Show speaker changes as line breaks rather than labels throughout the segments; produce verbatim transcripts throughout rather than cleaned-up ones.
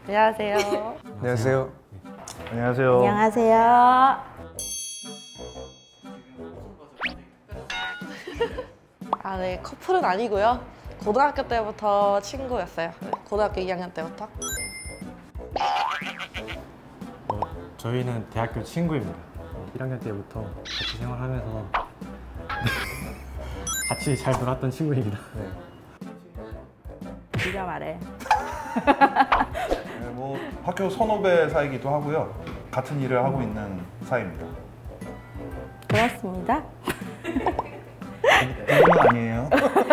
안녕하세요.
안녕하세요.
안녕하세요.
안녕하세요.
아, 네. 커플은 아니고요. 고등학교 때부터 친구였어요. 고등학교 이 학년 때부터.
어, 저희는 대학교 친구입니다. 일 학년 때부터 같이 생활하면서 같이 잘 놀았던 친구입니다.
네.
네가 말해.
네, 뭐 학교 선후배 사이기도 하고요. 같은 일을 하고 있는 사이입니다.
그렇습니다.
그건 아니에요.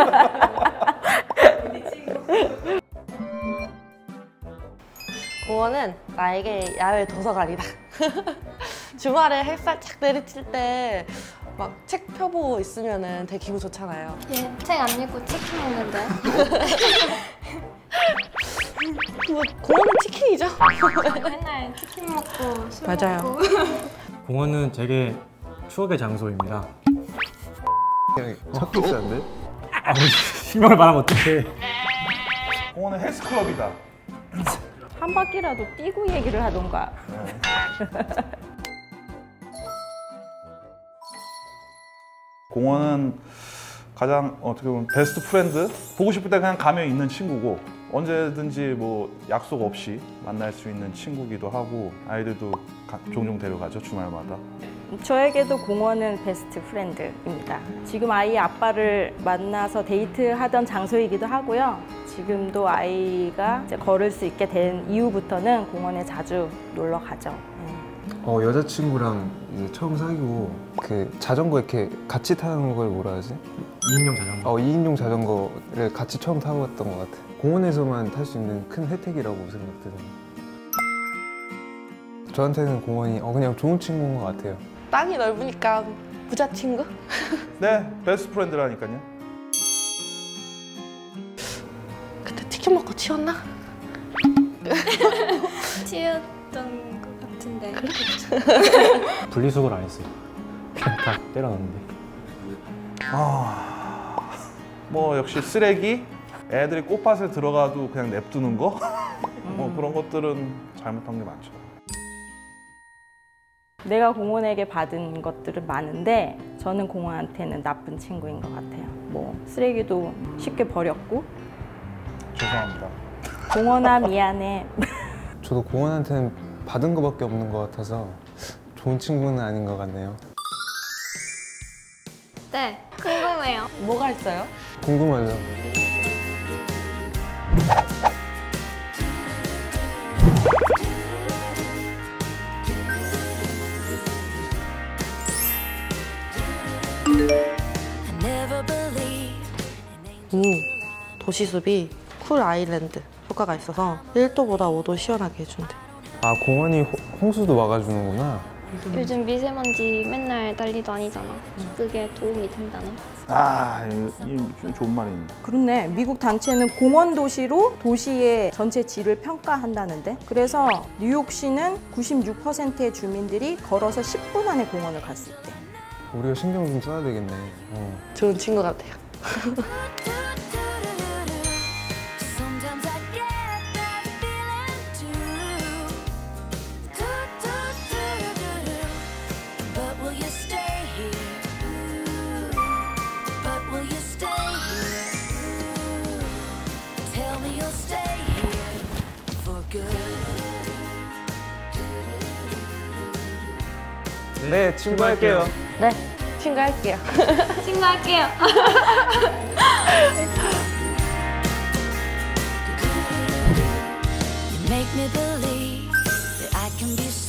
공원은 나에게 야외 도서관이다. 주말에 햇살 착 내리칠 때 막 책 펴보고 있으면 되게 기분 좋잖아요.
얘 책 안 읽고 치킨 먹는데?
뭐 공원은 치킨이죠.
맨날 치킨 먹고 술
맞아요.
먹고.
공원은 되게 추억의 장소입니다.
그냥 첫 키스인데?
아, 실명을 말하면 어떡해.
공원은 헬스클럽이다.
한 바퀴라도 뛰고 얘기를 하던가.
네. 공원은 가장 어떻게 보면 베스트 프렌드? 보고 싶을 때 그냥 가면 있는 친구고 언제든지 뭐 약속 없이 만날 수 있는 친구기도 하고 아이들도 가, 종종 데려가죠, 주말마다.
저에게도 공원은 베스트 프렌드입니다. 지금 아이의 아빠를 만나서 데이트하던 장소이기도 하고요. 지금도 아이가 이제 걸을 수 있게 된 이후부터는 공원에 자주 놀러 가죠.
어, 여자친구랑 이제 처음 사귀고 그 자전거 이렇게 같이 타는 걸 뭐라 하지?
이인용 자전거.
어, 이인용 자전거를 같이 처음 타봤던 것 같아. 공원에서만 탈 수 있는 큰 혜택이라고 생각드네요. 저한테는 공원이 어, 그냥 좋은 친구인 것 같아요.
땅이 넓으니까 부자 친구?
네, 베스트 프렌드라니까요.
그때 치킨 먹고 치웠나?
치였던 것 같은데.
분리수거를 안 했어요. 그냥 다 때려놨는데.
아, 뭐 역시 쓰레기? 애들이 꽃밭에 들어가도 그냥 냅두는 거? 뭐 그런 것들은 잘못한 게 많죠.
내가 공원에게 받은 것들은 많은데 저는 공원한테는 나쁜 친구인 것 같아요. 뭐 쓰레기도 쉽게 버렸고.
죄송합니다.
공원아 미안해.
저도 공원한테는 받은 것밖에 없는 것 같아서 좋은 친구는 아닌 것 같네요.
네, 궁금해요.
뭐가 있어요?
궁금하죠?
이 도시숲이 쿨 아일랜드 효과가 있어서 일 도보다 오 도 시원하게 해준대.
아, 공원이 호, 홍수도 막아주는구나.
요즘 미세먼지 맨날 난리도 아니잖아. 그게 도움이 된다네.
아, 이, 이 좋은 말입니다.
그렇네. 미국 단체는 공원 도시로 도시의 전체 질을 평가한다는데, 그래서 뉴욕시는 구십육 퍼센트의 주민들이 걸어서 십 분 안에 공원을 갈 수 있대.
우리가 신경 좀 써야 되겠네. 어.
좋은 친구 같아요.
네, 친구할게요.
네, 친구 할게요.
친구할게요.
Make me believe that I can be